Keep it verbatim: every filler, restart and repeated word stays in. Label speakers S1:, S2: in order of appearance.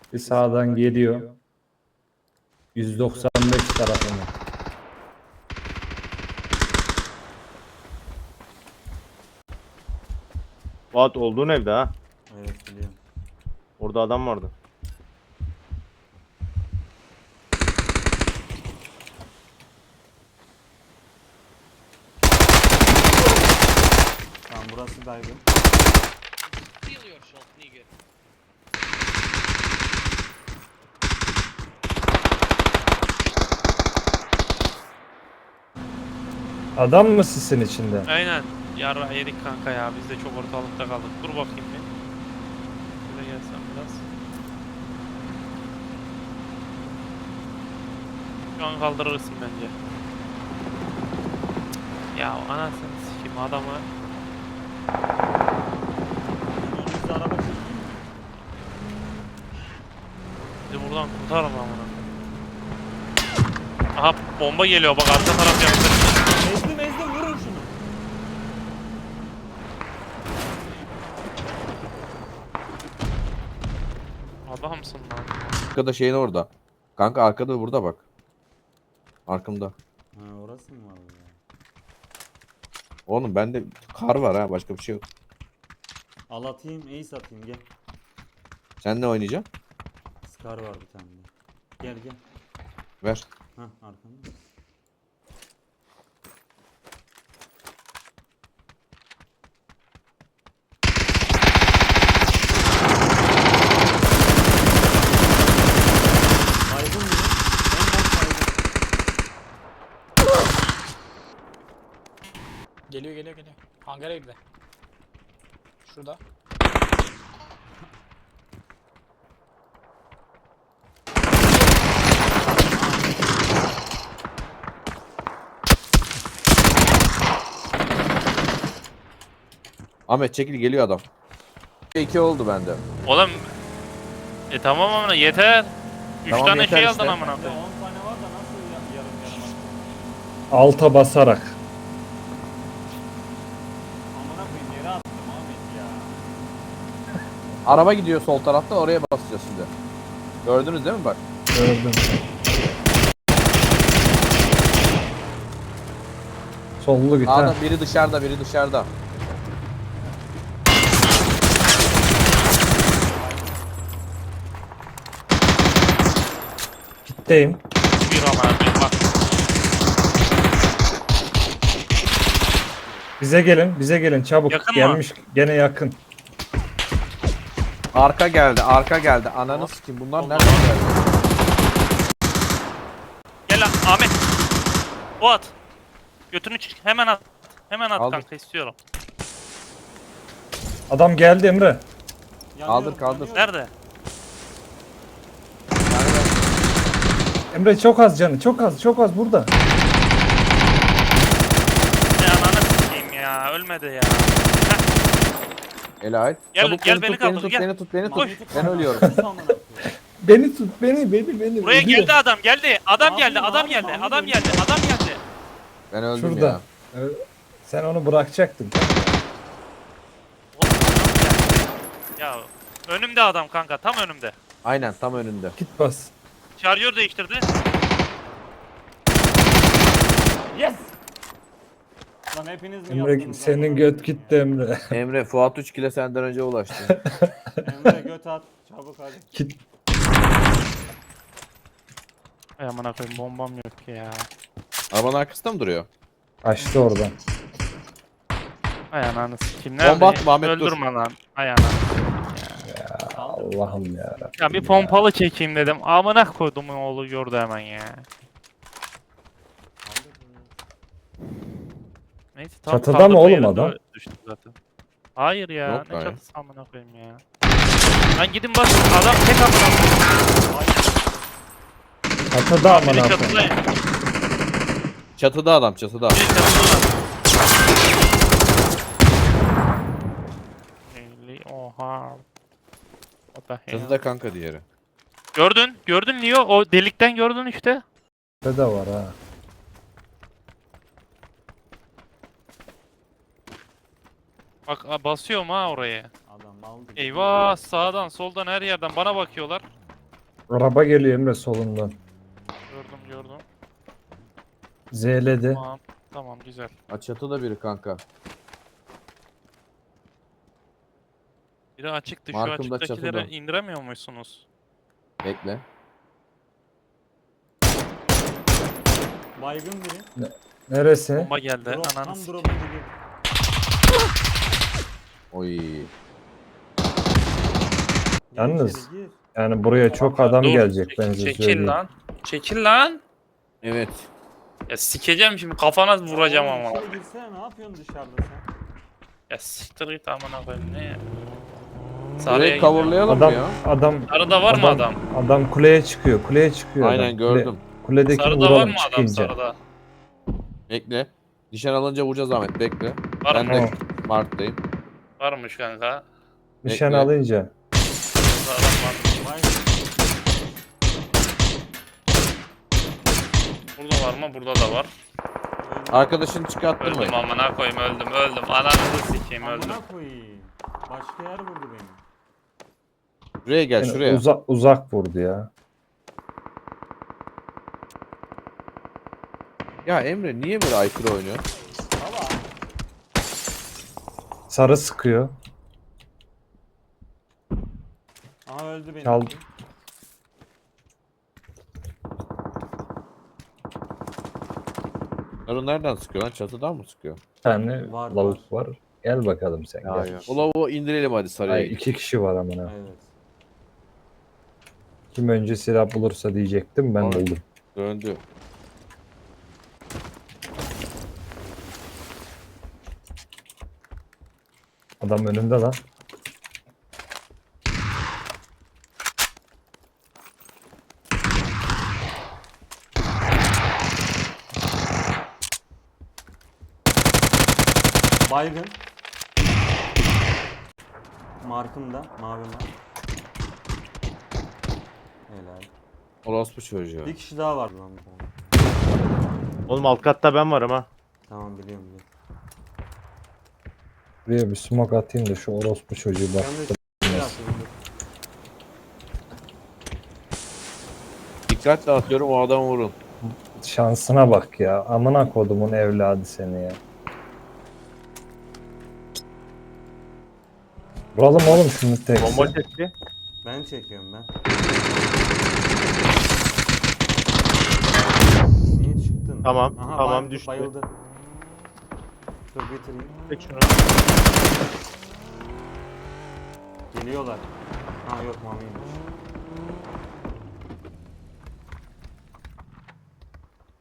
S1: Bir sağdan geliyor. yüz doksan beş tarafına.
S2: Fuat olduğun evde ha.
S3: Evet biliyorum.
S2: Orada adam vardı.
S3: Tamam burası baygın.
S4: Feel yourself, nigga.
S1: Adam mı sisin içinde?
S4: Aynen. Yarra yedik kanka ya. Biz de çok ortalıkta kaldık. Dur bakayım bir. Şöyle gelsem biraz. Şu an kaldırırsın bence. Ya anasını sikeyim adamı.
S3: Önümüzde araba çıktı.
S4: Bizi buradan kurtarın amına. Aha bomba geliyor bak arka taraf yaptı.
S3: Ezdim ezdim vurun şunu.
S4: Adamsın lan.
S5: Arkada şeyin orada. Kanka arkada burada bak. Arkamda.
S3: Ha orası mı var ya?
S5: Oğlum bende kar var ha, başka bir şey yok.
S3: Al atayım ace atayım gel.
S5: Sen ne oynayacaksın?
S3: Scar var bir tane de. Gel gel.
S5: Ver.
S3: Hah arkamda. Baygın mı? En baş baygın.
S6: Geliyor geliyor geliyor. Hangara girdi. Şurada.
S5: Ahmet çekil, geliyor adam. iki oldu bende.
S4: Oğlum. E tamam amına yeter. Üç
S5: Tamam,
S4: tane
S5: yeter
S4: şey
S5: işte.
S4: aldın amına
S3: Ya
S4: koyayım.
S3: on tane var da nasıl ya- yarım yarım attın?
S1: Alta basarak.
S3: Amına koyayım yere attım Ahmet ya.
S5: Araba gidiyor sol tarafta, oraya basacağız şimdi. Gördünüz değil mi bak?
S1: Gördüm. Sollu git ha.
S5: Sağda biri dışarıda, biri dışarıda.
S1: Gitteyim.
S4: Bir amına koyayım bak.
S1: Bize gelin, bize gelin çabuk.
S4: Yakın mı?
S1: Gelmiş gene yakın.
S5: Arka geldi, arka geldi. Ananı sikeyim, bunlar
S4: Allah.
S5: nereden geldi?
S4: Gel lan Ahmet. O at. Götünü çık. Hemen at. Hemen at
S5: Aldım.
S4: kanka istiyorum.
S1: Adam geldi Emre.
S3: Yanıyorum,
S5: kaldır.
S3: yanıyorum.
S4: Nerede?
S1: Emre çok az canı, çok az, çok az burada.
S4: Ne ananı sikeyim ya. Ölmedi ya. Heh,
S5: Ele ait.
S4: Gel-
S5: Çabuk
S4: gel
S5: beni,
S4: beni
S5: tut, beni
S4: kaldır,
S5: tut,
S4: gel.
S5: beni tut, beni tut.
S4: Koş.
S5: Ben ölüyorum.
S3: Sus amına koyayım.
S1: Beni tut, beni, beni, beni.
S4: buraya
S1: ölüyor.
S4: geldi adam geldi. Adam
S3: Abi,
S4: geldi. Adam
S3: abi,
S4: geldi.
S3: abi,
S4: Adam
S3: abi.
S4: geldi. Adam geldi.
S5: Ben öldüm
S1: Şurada.
S5: ya.
S1: Evet. Sen onu bırakacaktın.
S4: Oğlum, adam geldi. Ya önümde adam kanka. Tam önümde.
S5: Aynen, tam önünde.
S1: Git bas.
S4: Şarjör değiştirdi.
S3: Yes! Lan hepiniz mi
S1: Emre
S3: yaptınız?
S1: senin
S3: amına
S1: göt
S3: koyayım
S1: gitti
S3: ya?
S1: Emre.
S5: Emre, Fuat üç kile senden önce ulaştı.
S3: Emre göt at. Çabuk hadi.
S1: Git.
S4: Ay amına koyayım bombam yok ya.
S5: Arabanın arkasında mı duruyor?
S1: Açtı oradan.
S4: Ay ananı sikeyim.
S5: Bomba
S4: Nerede?
S5: atma Ahmet, dur.
S4: Öldürme lan. Ay ananı.
S1: Allah'ım ya.
S4: Ya bir pompalı çekeyim dedim. Amına koydum oğlu gördü hemen ya. Neyse tam
S1: Çatıda
S4: kaldırma
S1: mı oğlum
S4: yerinde
S1: adam?
S4: düştü zaten. Hayır ya.
S5: Yok
S4: ne
S5: be.
S4: çatısı amına koyayım ya. Lan gidin bak adam tek amına koyayım.
S1: Çatıda aman
S4: Biri
S1: abi.
S4: çatıda.
S5: Çatıda adam, çatıda.
S4: Biri çatıda. Eli- Oha. What the hell?
S5: Çatıda kanka diğeri.
S4: Gördün, gördün Leo. O delikten gördün işte.
S1: Çatıda var ha.
S4: Bak a, basıyorum ha oraya.
S3: Adam aldı.
S4: Eyvah sağdan soldan her yerden bana bakıyorlar.
S1: Araba geliyor Emre solundan.
S4: Gördüm gördüm.
S1: Z'ledi.
S4: Tamam. Tamam güzel.
S5: Ha, çatıda biri kanka.
S4: Biri açıktı. Şu
S5: Markım da
S4: açıktakileri
S5: çatıda.
S4: indiremiyor musunuz?
S5: Bekle.
S3: Baygın biri.
S1: Neresi?
S4: Bomba geldi.
S3: Drop,
S4: Ananı
S3: tam
S4: s-
S3: drop'a gidiyor.
S5: Oy.
S3: Gir
S1: Yalnız-
S3: içeri, gir.
S1: Yani buraya çok adam
S4: Dur,
S1: gelecek
S4: çek-
S1: ben size
S4: Çekil
S1: söyleyeyim.
S4: lan. Çekil lan.
S5: Evet.
S4: Ya sikeceğim şimdi kafana vuracağım
S3: Oğlum,
S4: ama.
S3: içeri girsene, ne yapıyorsun dışarıda sen?
S4: Ya siktir git amına koyayım ne ya.
S5: Burayı
S4: Sarıya gidiyorum.
S5: coverlayalım
S1: Adam
S5: ya.
S1: adam
S4: Sarıda var mı adam?
S1: Adam kuleye çıkıyor. Kuleye çıkıyor.
S5: Aynen
S1: adam.
S5: gördüm.
S1: Kule, kuledekini
S4: Sarıda var
S1: vuralım
S4: mı adam
S1: çıkınca.
S4: sarıda?
S5: Bekle. Nişan alınca vuracağız Ahmet bekle.
S4: Var
S5: Ben
S4: mı?
S5: de Mart'tayım.
S4: Varmış kanka.
S1: Nişan
S5: Bekle.
S1: alınca.
S4: Sarıda adam var.
S3: Baygın.
S4: Burada var mı? Burada da var.
S3: Öldü.
S5: Arkadaşını çıkarttırmayın.
S4: Öldüm amına koyayım öldüm öldüm. Ananızı sikeyim öldüm.
S3: Amına koyayım. Başka yer vurdu beni.
S5: Şuraya gel
S1: Yani
S5: şuraya.
S1: uza- uzak vurdu ya.
S5: Ya Emre niye böyle aykırı oynuyor?
S3: Baba.
S1: Sarı sıkıyor.
S3: Aha öldü benim.
S1: Çal-
S5: Narı nereden sıkıyor lan? Çatıdan mı sıkıyor?
S1: Bir tane
S3: Var,
S1: lavuk var. Gel bakalım sen
S5: Ya
S1: gel.
S5: ya. O lavuğu indirelim hadi sarıya.
S1: Ay,
S5: git.
S1: iki kişi var amına.
S3: Evet.
S1: Kim önce silah bulursa diyecektim ben
S5: Aynen.
S1: buldum.
S5: Döndü.
S1: Adam önümde lan.
S3: Baygın. Markımda. Mavi mark. Helal.
S5: Orospu çocuğu.
S3: Bir kişi daha var lan. bu.
S2: Oğlum alt katta ben varım ha.
S3: Tamam biliyorum biliyorum.
S1: Buraya bir smoke atayım da şu orospu çocuğu bak.
S3: Ben de şey yapıyorum.
S5: Dikkatle atıyorum o adamı vurun.
S1: Şansına bak ya. Amına kodumun evladı seni ya. Vuralım oğlum şunu tek.
S2: Bomba çekti.
S3: Ben çekiyorum ben. Niye çıktın?
S2: Tamam,
S3: Aha,
S2: tamam,
S3: bayıldı,
S2: düştü.
S3: Bayıldı. Dur getireyim.
S2: Çek şunu.
S3: Geliyorlar. Ha yok mamiymiş.